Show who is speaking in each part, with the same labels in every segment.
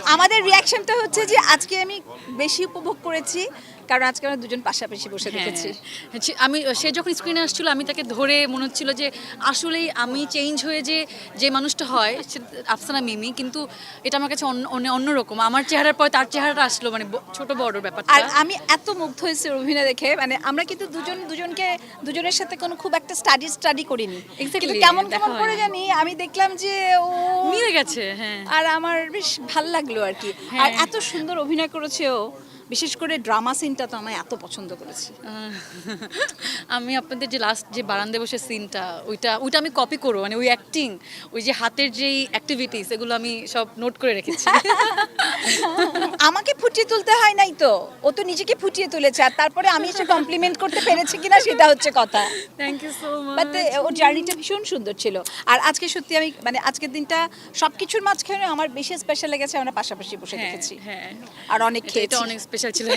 Speaker 1: আমাদের রিয়াকশনটা হচ্ছে যে আজকে আমি বেশি উপভোগ করেছি কারণ আজকে আমরা দুজন পাশাপাশি বসে দেখেছি।
Speaker 2: আমি সে যখন স্ক্রিনে আসছিল আমি তাকে ধরে মনে হচ্ছিল যে আসলেই আমি চেঞ্জ হয়ে যে মানুষটা হয় আফসানা মিমি, কিন্তু এটা আমার কাছে অন্যরকম। আমার চেহারার পরে তার চেহারাটা আসলো, মানে ছোট বড় ব্যাপারটা।
Speaker 1: আর আমি এত মুগ্ধ হয়েছি অভিনয় দেখে, মানে আমরা কিন্তু দুজনের সাথে কোনো খুব একটা স্টাডি করিনি, কিন্তু কেমন কেমন করে জানি আমি দেখলাম যে ও
Speaker 2: মিলে গেছে। হ্যাঁ,
Speaker 1: আর আমার বেশ ভাল লাগলো আর কি। আর এত সুন্দর অভিনয় করেছে ও, বিশেষ করে ড্রামা সিনটা তো আমি এত পছন্দ করেছি।
Speaker 2: আমি আপনাদের যে লাস্ট যে বারান্দায় বসে সিনটা, ওইটা আমি কপি করবো, মানে ওই অ্যাক্টিং, ওই যে হাতের যেই অ্যাক্টিভিটিস, এগুলো আমি সব নোট করে রেখেছি।
Speaker 1: আমাকে ফুটিয়ে তুলতে হয় নাই তো, ও তো নিজেকে ফুটিয়ে তুলেছে, আর তারপরে আমি এসে কমপ্লিমেন্ট করতে পেরেছি কিনা সেটা হচ্ছে কথা।
Speaker 2: Thank you so
Speaker 1: but
Speaker 2: much.
Speaker 1: ওর জার্নিটা ভীষণ সুন্দর ছিল। আর আজকে সত্যি আমি মানে আজকের দিনটা সবকিছুর মাঝখানে আমার বেশি স্পেশাল লেগেছে, আমরা পাশাপাশি বসে দেখেছি
Speaker 2: হ্যাঁ,
Speaker 1: আর অনেক
Speaker 2: এটা
Speaker 1: খেয়েছি।
Speaker 2: অনেক স্পেশাল ছিল।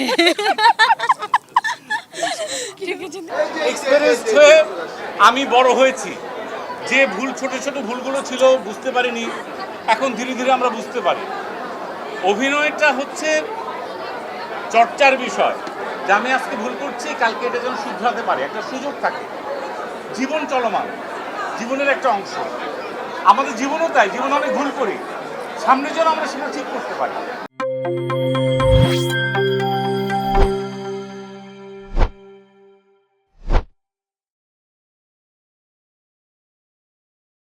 Speaker 3: এক্সপেরিয়েন্স হয়ে আমি বড় হয়েছি। যে ছোট ছোট ভুলগুলো ছিল বুঝতে পারিনি, এখন ধীরে ধীরে আমরা বুঝতে পারি। অভিনয়টা হচ্ছে চর্চার বিষয়, যে আমি আজকে ভুল করছি, কালকে এটা যেন শুধরাতে পারি, একটা সুযোগ থাকে। জীবন চলমান, জীবনের একটা অংশ। আমাদের জীবনও তাই, জীবন অনেক ভুল করি, সামনে যেন আমরা সেটা ঠিক করতে পারি।